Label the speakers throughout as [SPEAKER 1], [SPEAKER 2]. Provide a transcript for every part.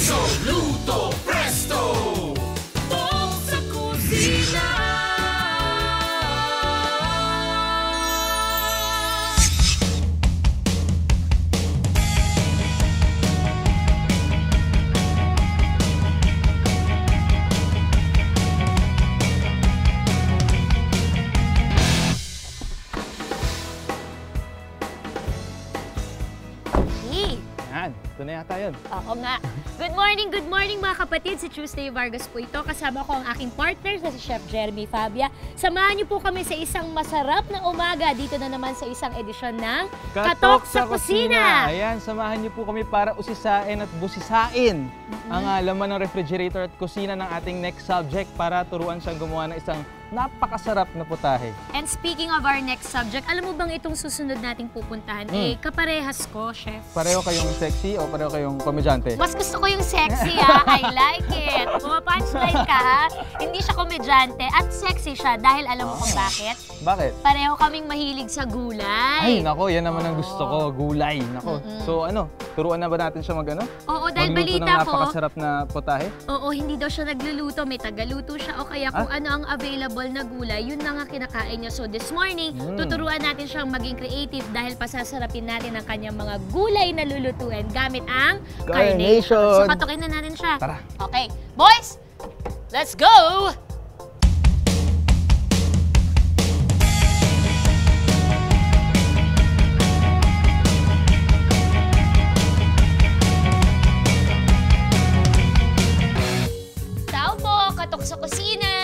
[SPEAKER 1] Uso, luto, presto! Bong sa kusina!
[SPEAKER 2] Ito na yata yun.
[SPEAKER 3] Oo nga. Good morning mga kapatid. Si Tuesday Vargas po ito. Kasama ko ang aking partner na si Chef Jeremy Fabia. Samahan niyo po kami sa isang masarap na umaga. Dito na naman sa isang edisyon ng Katok sa Kusina.
[SPEAKER 2] Ayan, samahan niyo po kami para usisain at busisain ang laman ng refrigerator at kusina ng ating next subject para turuan siyang gumawa ng isang napakasarap na putahe.
[SPEAKER 3] And speaking of our next subject, alam mo bang itong susunod nating pupuntahan? Eh, kaparehas ko, Chef.
[SPEAKER 2] Pareho kayong sexy o pareho kayong komedyante?
[SPEAKER 3] Mas gusto ko yung sexy, ha? I like it. Pumapunchline ka, ha? Hindi siya komedyante at sexy siya dahil alam mo kung bakit?
[SPEAKER 2] Bakit?
[SPEAKER 3] Pareho kaming mahilig sa gulay.
[SPEAKER 2] Ay, nako, yan naman ang gusto ko, gulay. Nako. So ano, turuan na ba natin siya mag-ano?
[SPEAKER 3] Oo, dahil
[SPEAKER 2] magluto
[SPEAKER 3] balita
[SPEAKER 2] ng
[SPEAKER 3] ko.
[SPEAKER 2] napakasarap na putahe?
[SPEAKER 3] Oo, hindi daw siya nagluluto. May tagaluto siya o kaya kung ano ang available na gulay, yun na nga kinakain niya. So this morning, tuturuan natin siyang maging creative dahil pasasarapin natin ang kanyang mga gulay na lulutuin gamit ang carnation. So patukin na natin siya.
[SPEAKER 2] Tara.
[SPEAKER 3] Okay, boys, let's go! Tao po, Katok sa Kusina!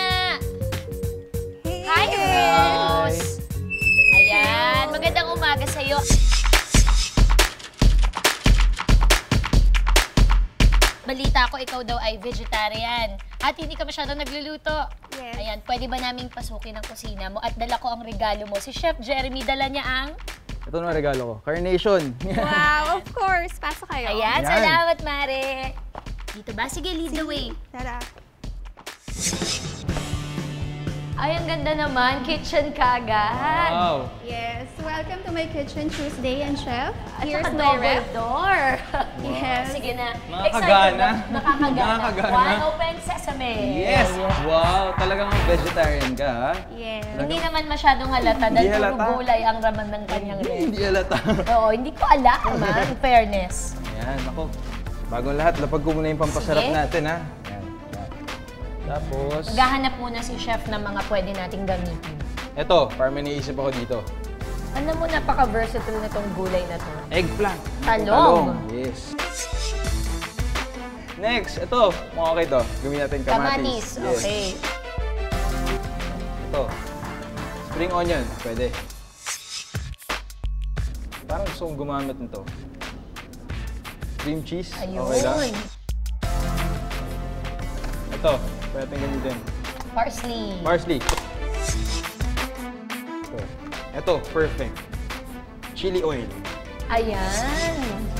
[SPEAKER 3] Hi, Rose! Ayan, magandang umaga sa'yo. Balita ko, ikaw daw ay vegetarian at hindi ka masyadong nagluluto.
[SPEAKER 4] Yes.
[SPEAKER 3] Ayan, pwede ba naming pasukin ang kusina mo at dala ko ang regalo mo? Si Chef Jeremy, dala niya ang...
[SPEAKER 2] Ito na regalo ko, carnation.
[SPEAKER 4] Wow, of course. Pasok kayo.
[SPEAKER 3] Ayan,
[SPEAKER 2] Ayan.
[SPEAKER 3] salamat, Mare. Dito ba? Sige, lead the way.
[SPEAKER 4] Tara.
[SPEAKER 3] Ay, ang ganda naman. Kitchen kagad.
[SPEAKER 2] Wow.
[SPEAKER 4] Yes. Welcome to my kitchen, Tuesday and Chef.
[SPEAKER 3] At
[SPEAKER 4] Here's
[SPEAKER 3] saka
[SPEAKER 4] my
[SPEAKER 3] double
[SPEAKER 4] ref.
[SPEAKER 3] door.
[SPEAKER 4] Yes.
[SPEAKER 3] Sige na.
[SPEAKER 2] Nakakagana.
[SPEAKER 3] Nakakagana.
[SPEAKER 2] Nakakagana.
[SPEAKER 3] One open sesame.
[SPEAKER 2] Yes! Wow, talagang vegetarian ka, ha?
[SPEAKER 4] Yes.
[SPEAKER 3] Hindi naman masyadong halata dahil
[SPEAKER 2] Hindi
[SPEAKER 3] puro
[SPEAKER 2] halata.
[SPEAKER 3] gulay ang raman ng kanyang ref.
[SPEAKER 2] Hindi alata.
[SPEAKER 3] Oo, hindi ko alam, in fairness.
[SPEAKER 2] Ayan, ako. Bagong lahat, lapag ko muna yung pampasarap
[SPEAKER 3] Sige.
[SPEAKER 2] natin, ha? Ayan. Tapos,
[SPEAKER 3] Maghahanap muna si Chef ng mga pwede nating gamitin.
[SPEAKER 2] eto, parang may naisip ako dito.
[SPEAKER 3] Alam mo, napaka-versatile na tong gulay na to.
[SPEAKER 2] Eggplant.
[SPEAKER 3] Talong.
[SPEAKER 2] Yes. Next, ito. Mukhang okay to. Gawin natin kamatis. Yes.
[SPEAKER 3] Okay.
[SPEAKER 2] Ito. Spring onion. Pwede. Parang gusto kong gumamit nito. Cream cheese.
[SPEAKER 3] Ayun.
[SPEAKER 2] Okay lang. Ito. Pwede natin gamitin.
[SPEAKER 3] Parsley.
[SPEAKER 2] Parsley. Ito. Perfect. Chili oil.
[SPEAKER 3] Ayan.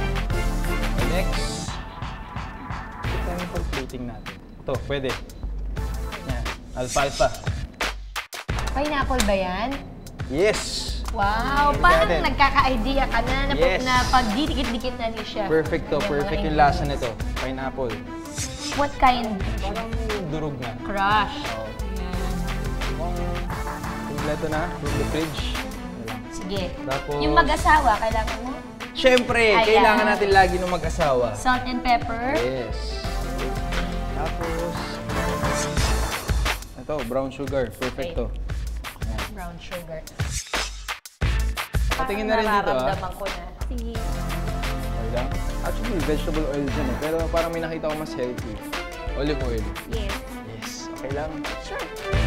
[SPEAKER 2] Next. Ito yung pang-plating natin. Ito. Pwede. Yan. Alfalfa.
[SPEAKER 3] Pineapple ba yan?
[SPEAKER 2] Yes!
[SPEAKER 3] Wow,
[SPEAKER 2] Ayan
[SPEAKER 3] parang
[SPEAKER 2] natin.
[SPEAKER 3] nagkaka-idea ka na
[SPEAKER 2] Yes.
[SPEAKER 3] na pagdidikit-dikit na ni Chef.
[SPEAKER 2] Perfect to.
[SPEAKER 3] Yung mga
[SPEAKER 2] Perfect yung lasa
[SPEAKER 3] ingredients.
[SPEAKER 2] nito. Pineapple.
[SPEAKER 3] What kind?
[SPEAKER 2] Parang durog na.
[SPEAKER 3] Crush.
[SPEAKER 2] Oo.
[SPEAKER 3] Ayan.
[SPEAKER 2] Kompleto na. From the fridge.
[SPEAKER 3] Sige.
[SPEAKER 2] Tapos-
[SPEAKER 3] Yung mag-asawa, kailangan mo?
[SPEAKER 2] Siyempre,
[SPEAKER 3] Ayan.
[SPEAKER 2] kailangan natin lagi ng mag-asawa.
[SPEAKER 3] Salt and pepper.
[SPEAKER 2] Yes. Tapos, ito, brown sugar. Perfect to.
[SPEAKER 3] Brown sugar.
[SPEAKER 2] Patingin na rin dito, ah.
[SPEAKER 3] Nararamdaman ko na.
[SPEAKER 4] Sige.
[SPEAKER 2] Okay lang. Actually, vegetable oil dyan eh. Pero parang may nakita ko mas healthy. Olive oil.
[SPEAKER 4] Yes.
[SPEAKER 2] Yes. Okay lang.
[SPEAKER 4] Sure.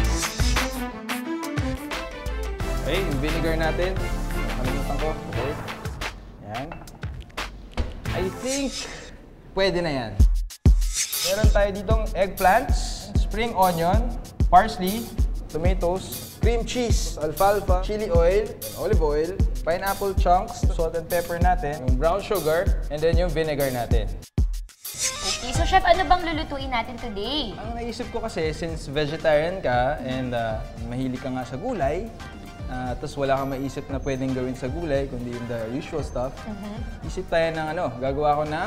[SPEAKER 2] Okay, yung vinegar natin. Nakalimutan ko. Okay. Yan. I think pwede na yan. Meron tayo ditong eggplants, spring onion, parsley, tomatoes, cream cheese, alfalfa, chili oil, olive oil, pineapple chunks, salt and pepper natin, yung brown sugar, and then yung vinegar natin.
[SPEAKER 3] Okay, so Chef, ano bang lulutuin natin today?
[SPEAKER 2] Ang naisip ko kasi, since vegetarian ka and mahilig ka nga sa gulay, tapos wala kang maisip na pwedeng gawin sa gulay, kundi yung the usual stuff, isip tayo ng gagawa ko ng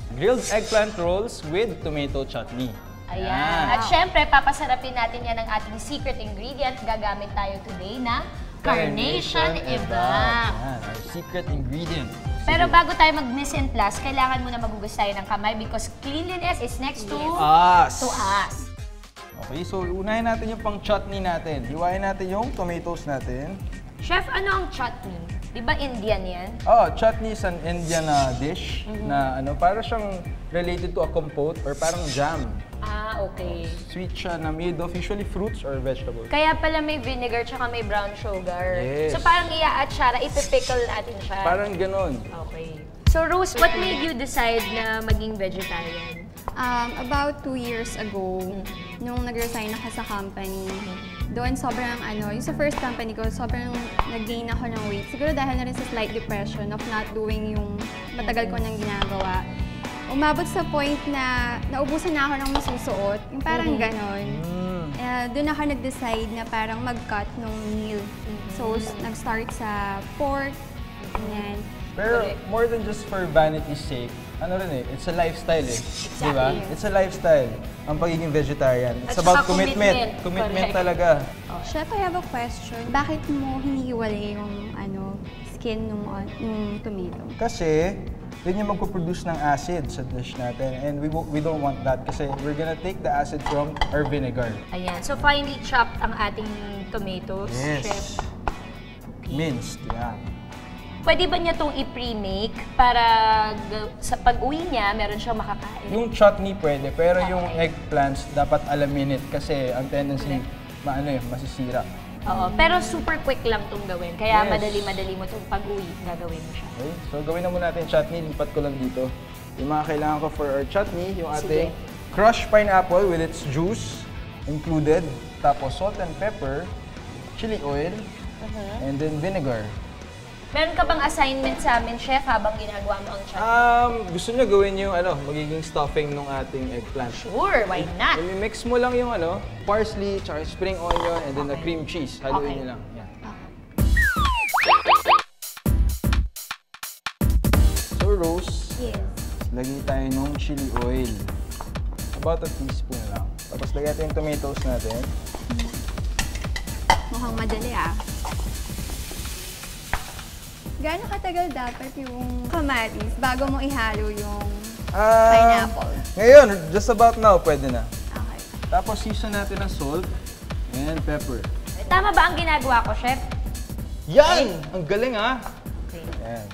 [SPEAKER 2] grilled eggplant rolls with tomato chutney.
[SPEAKER 3] Ayan. At syempre, papasarapin natin yan ng ating secret ingredient. Gagamit tayo today na Carnation Evap.
[SPEAKER 2] Ayan, our secret ingredient.
[SPEAKER 3] Pero bago tayo mag-mise en place, kailangan muna magugas tayo ng kamay because cleanliness is next to
[SPEAKER 2] Us.
[SPEAKER 3] us.
[SPEAKER 2] Okay, so unahin natin yung pang chutney natin. Hiwain natin yung tomatoes natin.
[SPEAKER 3] Chef, ano ang chutney? Di ba Indian yan?
[SPEAKER 2] Oh, chutney is an Indian dish na para siyang related to a compote or parang jam.
[SPEAKER 3] Ah, okay.
[SPEAKER 2] Sweet siya na made of usually fruits or vegetables.
[SPEAKER 3] Kaya pala may vinegar tsaka may brown sugar.
[SPEAKER 2] Yes.
[SPEAKER 3] So parang iya-atsara, ipipickle natin siya.
[SPEAKER 2] Parang ganon.
[SPEAKER 3] Okay. So Rose, what made you decide na maging vegetarian?
[SPEAKER 4] About 2 years ago, nung nag-resign ako sa company, doon sobrang yung sa first company ko, sobrang nag-gain ako ng weight. Siguro dahil na rin sa slight depression of not doing yung matagal ko nang ginagawa. Umabot sa point na naubusan na ako ng masusuot, yung parang ganon. Doon ako nag-decide na parang mag-cut ng meal. So, nag-start sa pork, ganyan.
[SPEAKER 2] Pero more than just for vanity's sake, it's a lifestyle
[SPEAKER 3] Exactly.
[SPEAKER 2] Diba? It's a lifestyle, ang pagiging vegetarian. It's
[SPEAKER 3] At
[SPEAKER 2] about
[SPEAKER 3] saka
[SPEAKER 2] commitment.
[SPEAKER 3] commitment.
[SPEAKER 2] Commitment
[SPEAKER 3] Correct.
[SPEAKER 2] talaga.
[SPEAKER 4] Chef, I have a question. Bakit mo hinihiwalay yung skin nung tomato?
[SPEAKER 2] Kasi, yun yung magpo-produce ng acid sa dish natin. And we don't want that kasi we're gonna take the acid from our vinegar.
[SPEAKER 3] Ayan. So finely chopped ang ating tomatoes, Chef.
[SPEAKER 2] Yes. Minced, yeah.
[SPEAKER 3] Pwede ba niya itong i-pre-make para sa pag-uwi niya, meron siyang makakain?
[SPEAKER 2] Yung chutney pwede, pero yung eggplants dapat alaminate kasi ang tendency, masisira.
[SPEAKER 3] Oo. Pero super quick lang itong gawin. Kaya
[SPEAKER 2] Yes.
[SPEAKER 3] madali-madali mo itong pag-uwi, gagawin mo siya.
[SPEAKER 2] Okay, so gawin na muna natin chutney, lipat ko lang dito. Yung mga kailangan ko for our chutney, yung ating crushed pineapple with its juice included, tapos salt and pepper, chili oil, and then vinegar.
[SPEAKER 3] Meron ka bang assignment sa amin, Chef, habang ginagawa mo ang chutney?
[SPEAKER 2] Gusto niyo gawin yung magiging stuffing ng ating eggplant.
[SPEAKER 3] Sure, why not?
[SPEAKER 2] I-mix mo lang yung parsley, tsaka spring onion, and then the cream cheese. Haluin
[SPEAKER 3] Okay.
[SPEAKER 2] niyo lang. Yan. So, Rose,
[SPEAKER 4] Yes.
[SPEAKER 2] lagay tayo ng chili oil. About a teaspoon lang. Tapos lagay natin yung tomatoes natin.
[SPEAKER 4] Mukhang madali Gaano katagal dapat yung kamatis bago mo ihalo yung pineapple?
[SPEAKER 2] Ngayon, just about now, pwede na.
[SPEAKER 4] Okay.
[SPEAKER 2] Tapos season natin ng salt and pepper.
[SPEAKER 3] Tama ba ang ginagawa ko, Chef?
[SPEAKER 2] Yan! Ang galing
[SPEAKER 3] Okay.
[SPEAKER 2] Yan.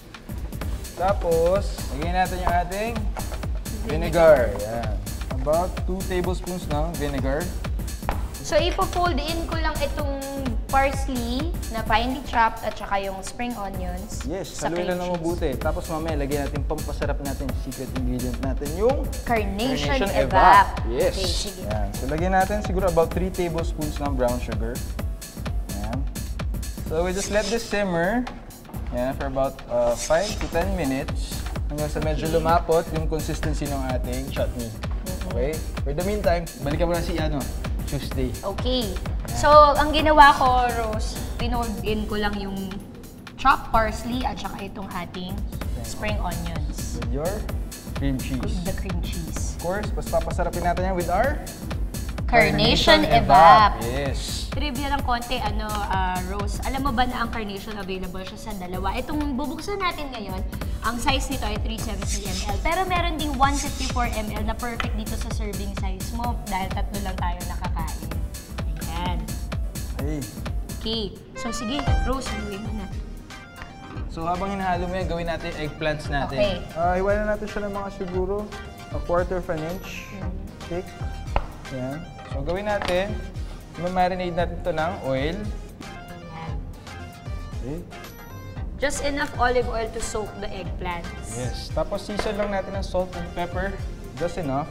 [SPEAKER 2] Tapos, lagyan natin yung ating vinegar. Yan. About 2 tablespoons ng vinegar.
[SPEAKER 3] So, ipo-fold in ko lang itong parsley na finely chopped at saka yung spring onions.
[SPEAKER 2] Yes,
[SPEAKER 3] sa
[SPEAKER 2] haluin
[SPEAKER 3] cream
[SPEAKER 2] lang ng
[SPEAKER 3] cheese.
[SPEAKER 2] mabuti. Tapos mamaya, lagyan natin pampasarap natin, secret ingredient natin, yung
[SPEAKER 3] Carnation Evap.
[SPEAKER 2] Yes.
[SPEAKER 3] Okay, sige.
[SPEAKER 2] Yan. So, lagyan natin siguro about 3 tablespoons ng brown sugar. Yan. So, we just let this simmer for about 5 to 10 minutes hanggang sa medyo lumapot yung consistency ng ating chutney. Okay? For the meantime, balikan mo na si Tuesday.
[SPEAKER 3] Okay. So, ang ginawa ko, Rose, pinold in ko lang yung chopped parsley at saka itong ating spring onions.
[SPEAKER 2] With your cream cheese.
[SPEAKER 3] The cream cheese.
[SPEAKER 2] Of course, mas papasarapin natin yan with our
[SPEAKER 3] Carnation Evap.
[SPEAKER 2] Yes.
[SPEAKER 3] Trivia ng konti, Rose, alam mo ba na ang Carnation available siya sa dalawa? Itong bubuksan natin ngayon, ang size nito ay 370 ml. Pero meron ding 154 ml na perfect dito sa serving size mo dahil tatlo lang tayo nakakain. Ayan.
[SPEAKER 2] Hey.
[SPEAKER 3] Okay. So sige, Rose, haluin mo na.
[SPEAKER 2] So habang hinahalo mo yan, gawin natin eggplants natin.
[SPEAKER 3] Okay.
[SPEAKER 2] Iwanan natin siya ng mga siguro a quarter of an inch thick. Yan. So gawin natin, ma-marinate natin ito ng oil.
[SPEAKER 3] Ayan.
[SPEAKER 2] Okay.
[SPEAKER 3] Just enough olive oil to soak the eggplants.
[SPEAKER 2] Yes. Tapos season lang natin ng salt and pepper. Just enough.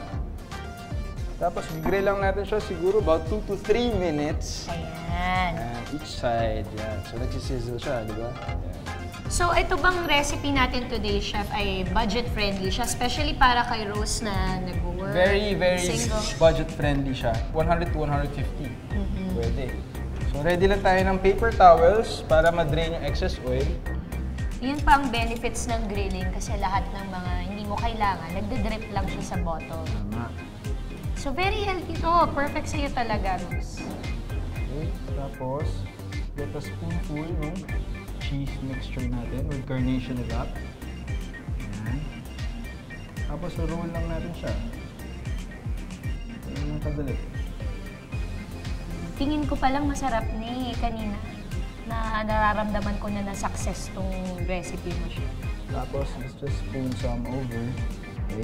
[SPEAKER 2] Tapos grill lang natin siya siguro about 2 to 3 minutes.
[SPEAKER 3] Ayan.
[SPEAKER 2] And each side. Yan. So nagsisizzle siya, di ba? Yan.
[SPEAKER 3] So, ito bang recipe natin today, Chef, ay budget-friendly siya, especially para kay Rose na nag-work,
[SPEAKER 2] Very, very
[SPEAKER 3] single.
[SPEAKER 2] budget-friendly siya. 100 to 150. Pwede. So, ready lang tayo ng paper towels para ma-drain yung excess oil.
[SPEAKER 3] Yun pa ang benefits ng grilling kasi lahat ng mga hindi mo, kailangan nagde-drip lang siya sa bottle.
[SPEAKER 2] Tama.
[SPEAKER 3] So very healthy to. Perfect sa'yo talaga, Miss.
[SPEAKER 2] Okay, tapos, get a spoonful ng cheese mixture natin with carnation wrap. Ayan. Tapos, roll lang natin siya. Ayan ang kadali.
[SPEAKER 3] Tingin ko palang masarap ni kanina na nararamdaman ko na na-success tong recipe mo siya.
[SPEAKER 2] Tapos, let's just spoon some over. Okay.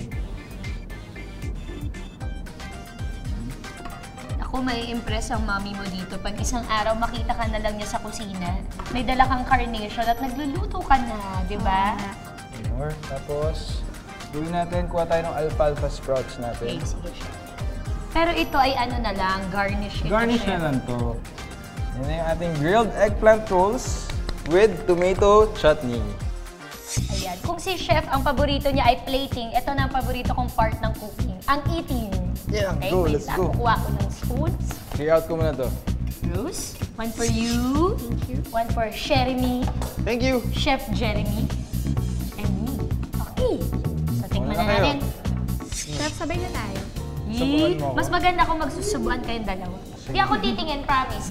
[SPEAKER 3] Ako, may impress ang mami mo dito. Pag isang araw makita ka na lang niya sa kusina, may dala kang carnation at nagluluto ka na, di ba?
[SPEAKER 2] More. Tapos, gawin natin, kuha tayo ng alfalfa sprouts natin.
[SPEAKER 3] Okay, sige siya. Pero ito ay ano na lang, garnish ito.
[SPEAKER 2] Garnish
[SPEAKER 3] chef.
[SPEAKER 2] na lang to. Yan na yung ating grilled eggplant rolls with tomato chutney.
[SPEAKER 3] Ayan. Kung si chef, ang paborito niya ay plating, ito na ang paborito kong part ng cooking, ang eating.
[SPEAKER 2] Yeah,
[SPEAKER 3] Okay,
[SPEAKER 2] go,
[SPEAKER 3] wait
[SPEAKER 2] let's
[SPEAKER 3] lang.
[SPEAKER 2] go.
[SPEAKER 3] Kukuha ko ng spoons.
[SPEAKER 2] Clear out ko muna to.
[SPEAKER 3] Bruce, one for you. Thank you. One for Jeremy,
[SPEAKER 2] Thank you!
[SPEAKER 3] Chef Jeremy, and me. Okay. So, tikman
[SPEAKER 2] Wala
[SPEAKER 3] na
[SPEAKER 2] kayo.
[SPEAKER 3] natin.
[SPEAKER 4] Chef, sabay na tayo.
[SPEAKER 2] Subukan mo ako.
[SPEAKER 3] Mas maganda kung magsusubuan kayong dalawa. Hindi ako titingin, promise.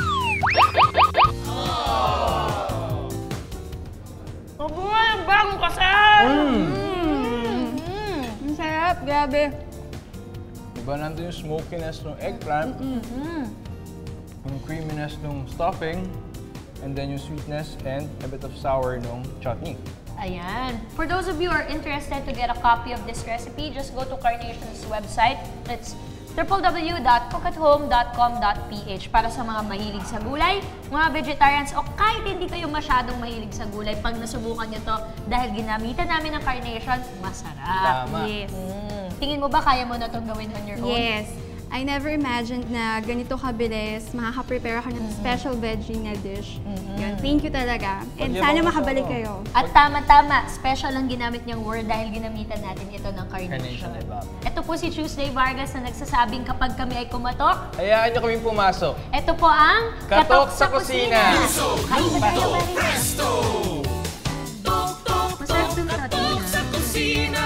[SPEAKER 3] Mabuhay ang bagong kasal!
[SPEAKER 4] Ang sarap, grabe.
[SPEAKER 2] Diba nandun yung smokiness ng eggplant, yung creaminess ng stuffing, and then yung sweetness and a bit of sour ng chutney.
[SPEAKER 3] Ayan. For those of you who are interested to get a copy of this recipe, just go to Carnation's website. It's www.cookathome.com.ph para sa mga mahilig sa gulay, mga vegetarians, o kahit hindi kayo masyadong mahilig sa gulay, pag nasubukan nyo to, dahil ginamitan namin ng Carnation, masarap.
[SPEAKER 2] Tama.
[SPEAKER 3] Yes. Tingin mo ba kaya mo na itong gawin on your own?
[SPEAKER 4] Yes. I never imagined na ganito kabilis, makaka-prepare ako ng special veggie na dish. Yun, thank you talaga. And
[SPEAKER 2] Pag-yaman
[SPEAKER 4] sana
[SPEAKER 2] mo
[SPEAKER 4] makabalik
[SPEAKER 2] siya,
[SPEAKER 4] kayo.
[SPEAKER 3] At tama-tama, special ang ginamit niyang word dahil ginamitan natin ito ng Carnation.
[SPEAKER 2] Carnation wrap.
[SPEAKER 3] Ito po si Tuesday Vargas na nagsasabing kapag kami ay kumatok,
[SPEAKER 2] Hayaan nyo kaming pumasok.
[SPEAKER 3] ito po ang
[SPEAKER 2] Katok sa Kusina.
[SPEAKER 3] Kain ba tayo, Marie?
[SPEAKER 1] Presto! Tok, tok,
[SPEAKER 3] Masarap
[SPEAKER 1] tok,
[SPEAKER 3] dun sa
[SPEAKER 1] katok
[SPEAKER 3] atin,
[SPEAKER 1] sa kusina!